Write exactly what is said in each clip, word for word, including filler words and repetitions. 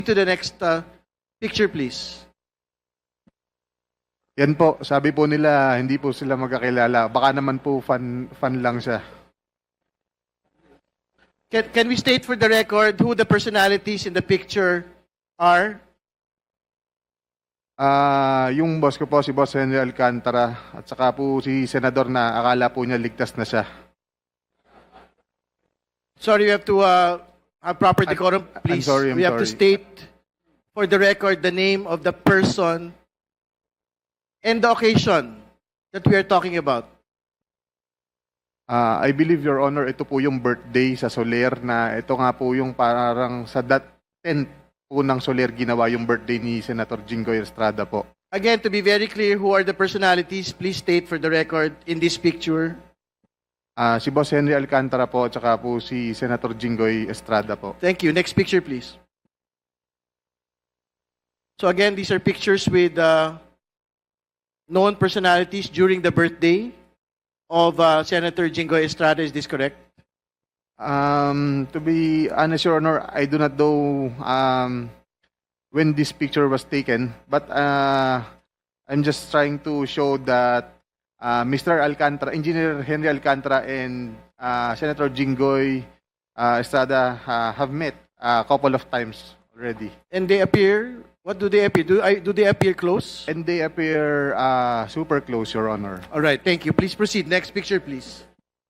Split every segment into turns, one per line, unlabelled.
To the next uh, picture, please.
Yan po, sabi po nila, hindi po sila magkakilala. Baka naman po fan, fan lang siya.
Can, can we state for the record who the personalities in the picture are?
Ah, yung boss ko po, si Boss Henry Alcantara, at saka po si Senador na akala po niya ligtas na siya.
Sorry, we have to uh, have proper decorum,
I'm
please.
sorry, I'm
we have to
sorry.
state for the record the name of the person and the occasion that we are talking about.
Ah, I believe, Your Honor, ito po yung birthday sa Soler na ito nga po yung parang sa that tenth po ng Soler ginawa yung birthday ni Senator Jinggoy Estrada po.
Again, to be very clear, who are the personalities? Please state for the record in this picture.
Ah, si Boss Henry Alcantara po, at saka po si Senator Jinggoy Estrada po.
Thank you. Next picture, please. So again, these are pictures with uh, known personalities during the birthday of uh, Senator Jinggoy Estrada. Is this correct?
Um, to be honest, Your Honor, I do not know um, when this picture was taken, but uh, I'm just trying to show that uh, Mister Alcantara, Engineer Henry Alcantara, and uh, Senator Jinggoy uh, Estrada uh, have met a couple of times already,
And they appear, what do they appear? Do, I, do they appear close?
and they appear uh, super close, Your Honor.
All right, thank you. Please proceed. Next picture, please.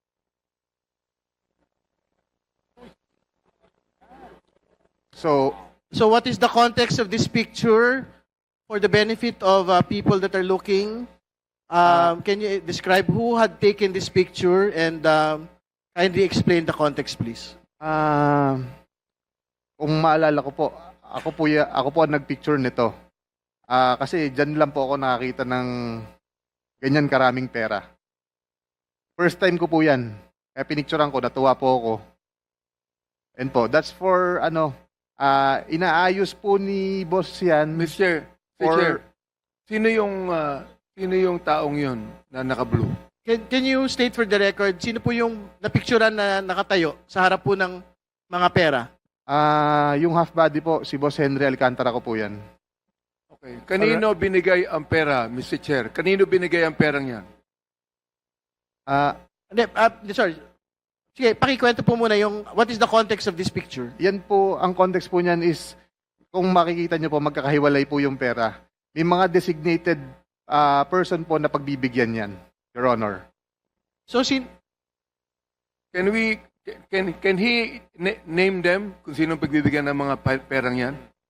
So,
So what is the context of this picture for the benefit of uh, people that are looking? Um, can you describe who had taken this picture and um, kindly explain the context, please?
ah, kung maalala ko po, ako po, ya- ako po ang nagpicture nito. Ah, kasi dyan lang po ako nakakita ng ganyan karaming pera. First time ko po yan. Kaya pinicturean ko, natuwa po ako. And po, that's for ano, ah, inaayos po ni boss yan.
Mister
For-
Chair, sino yung ah, sino yung taong yun na naka-blue?
Can, can you state for the record, sino po yung napicturean na nakatayo sa harap po ng mga pera?
Ah, yung half body po, si Boss Henry Alcantara ko po yan.
Okay. Kanino binigay ang pera, Mister Chair? Kanino binigay ang perang yan?
Ah,
Hindi, ah, sorry. Sige, pakikwento po muna yung, what is the context of this picture?
yan po, ang context po niyan is, kung makikita niyo po, magkakahiwalay po yung pera. May mga designated ah, person po na pagbibigyan yan, Your Honor.
So, sin
Can we can can he na- name them kung sino pagbibigyan ng mga pa- perang yan?